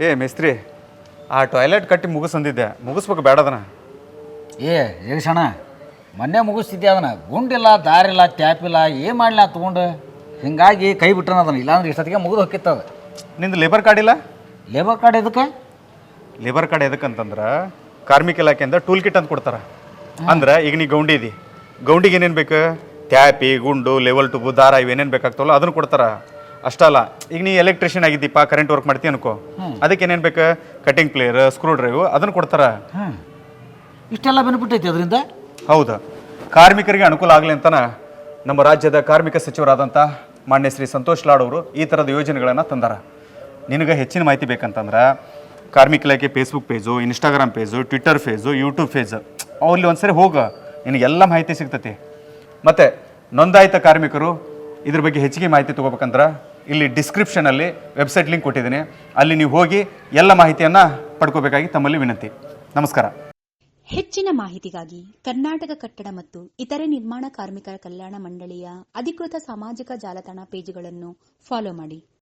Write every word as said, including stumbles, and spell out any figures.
ಏ ಮೇಸ್ತ್ರಿ, ಆ ಟಾಯ್ಲೆಟ್ ಕಟ್ಟಿ ಮುಗಿಸಂದಿದ್ದೆ, ಮುಗಿಸ್ಬೇಕು ಬೇಡದನ. ಏ ಜಗಸಣ್ಣ, ಮೊನ್ನೆ ಮುಗಿಸ್ತಿದ್ದೆ ಅದನ್ನ. ಗುಂಡಿಲ್ಲ, ದಾರಿಲ್ಲ, ಟ್ಯಾಪಿಲ್ಲ, ಏನು ಮಾಡಲಿ ತೊಗೊಂಡು. ಹಿಂಗಾಗಿ ಕೈ ಬಿಟ್ಟನ ಅದನ್ನ. ಇಲ್ಲಾಂದ್ರೆ ಇಷ್ಟೊತ್ತಿಗೆ ಮುಗಿದು ಹೊಕ್ಕಿತ್ತದ. ನಿಂದು ಲೇಬರ್ ಕಾರ್ಡ್ ಇಲ್ಲ? ಲೇಬರ್ ಕಾರ್ಡ್ ಎದಕ್ಕೆ? ಲೇಬರ್ ಕಾರ್ಡ್ ಎದಕ್ಕಂತಂದ್ರೆ ಕಾರ್ಮಿಕ ಇಲಾಖೆಯಿಂದ ಟೂಲ್ ಕಿಟ್ ಅಂತ ಕೊಡ್ತಾರೆ. ಅಂದ್ರೆ ಈಗ ನೀ ಗೌಂಡಿ ಇದಿ, ಗೌಂಡಿಗೆ ಏನೇನು ಬೇಕು? ಟ್ಯಾಪಿ, ಗುಂಡು, ಲೆವೆಲ್ ಟುಬು, ದಾರ ಇವೇನೇನು ಬೇಕಾಗ್ತವಲ್ಲ ಅದನ್ನು ಕೊಡ್ತಾರೆ. ಅಷ್ಟಲ್ಲ, ಈಗ ನೀ ಎಲೆಕ್ಟ್ರಿಷಿಯನ್ ಆಗಿದ್ದೀಪ, ಕರೆಂಟ್ ವರ್ಕ್ ಮಾಡ್ತೀವಿ ಅನ್ಕೋ, ಅದಕ್ಕೆ ಏನೇನು ಬೇಕು? ಕಟಿಂಗ್ ಪ್ಲೇಯರ್, ಸ್ಕ್ರೂ ಡ್ರೈವ್ ಅದನ್ನು ಕೊಡ್ತಾರೆ. ಹಾಂ, ಇಷ್ಟೆಲ್ಲ ಬೆನಿಫಿಟ್ ಐತಿ ಅದರಿಂದ. ಹೌದು, ಕಾರ್ಮಿಕರಿಗೆ ಅನುಕೂಲ ಆಗಲಿ ಅಂತನ ನಮ್ಮ ರಾಜ್ಯದ ಕಾರ್ಮಿಕ ಸಚಿವರಾದಂಥ ಮಾನ್ಯ ಶ್ರೀ ಸಂತೋಷ್ ಲಾಡ್ ಅವರು ಈ ಥರದ ಯೋಜನೆಗಳನ್ನು ತಂದಾರ. ನಿನಗೆ ಹೆಚ್ಚಿನ ಮಾಹಿತಿ ಬೇಕಂತಂದ್ರೆ ಕಾರ್ಮಿಕ ಇಲಾಖೆ Facebook page, Instagram page, Twitter page, YouTube page ಅಲ್ಲಿ ಒಂದ್ಸರಿ ಹೋಗ, ನಿನಗೆಲ್ಲ ಮಾಹಿತಿ ಸಿಗ್ತೈತಿ. ಮತ್ತು ನೋಂದಾಯಿತ ಕಾರ್ಮಿಕರು ಇದ್ರ ಬಗ್ಗೆ ಹೆಚ್ಚಿಗೆ ಮಾಹಿತಿ ತೊಗೋಬೇಕಂದ್ರೆ ಇಲ್ಲಿ ಡಿಸ್ಕ್ರಿಪ್ಷನಲ್ಲಿ ವೆಬ್ಸೈಟ್ ಲಿಂಕ್ ಕೊಟ್ಟಿದ್ದೀನಿ, ಅಲ್ಲಿ ನೀವು ಹೋಗಿ ಎಲ್ಲ ಮಾಹಿತಿಯನ್ನು ಪಡ್ಕೋಬೇಕಾಗಿ ತಮ್ಮಲ್ಲಿ ವಿನಂತಿ. ನಮಸ್ಕಾರ. ಹೆಚ್ಚಿನ ಮಾಹಿತಿಗಾಗಿ ಕರ್ನಾಟಕ ಕಟ್ಟಡ ಮತ್ತು ಇತರೆ ನಿರ್ಮಾಣ ಕಾರ್ಮಿಕರ ಕಲ್ಯಾಣ ಮಂಡಳಿಯ ಅಧಿಕೃತ ಸಾಮಾಜಿಕ ಜಾಲತಾಣ ಪೇಜ್ಗಳನ್ನು ಫಾಲೋ ಮಾಡಿ.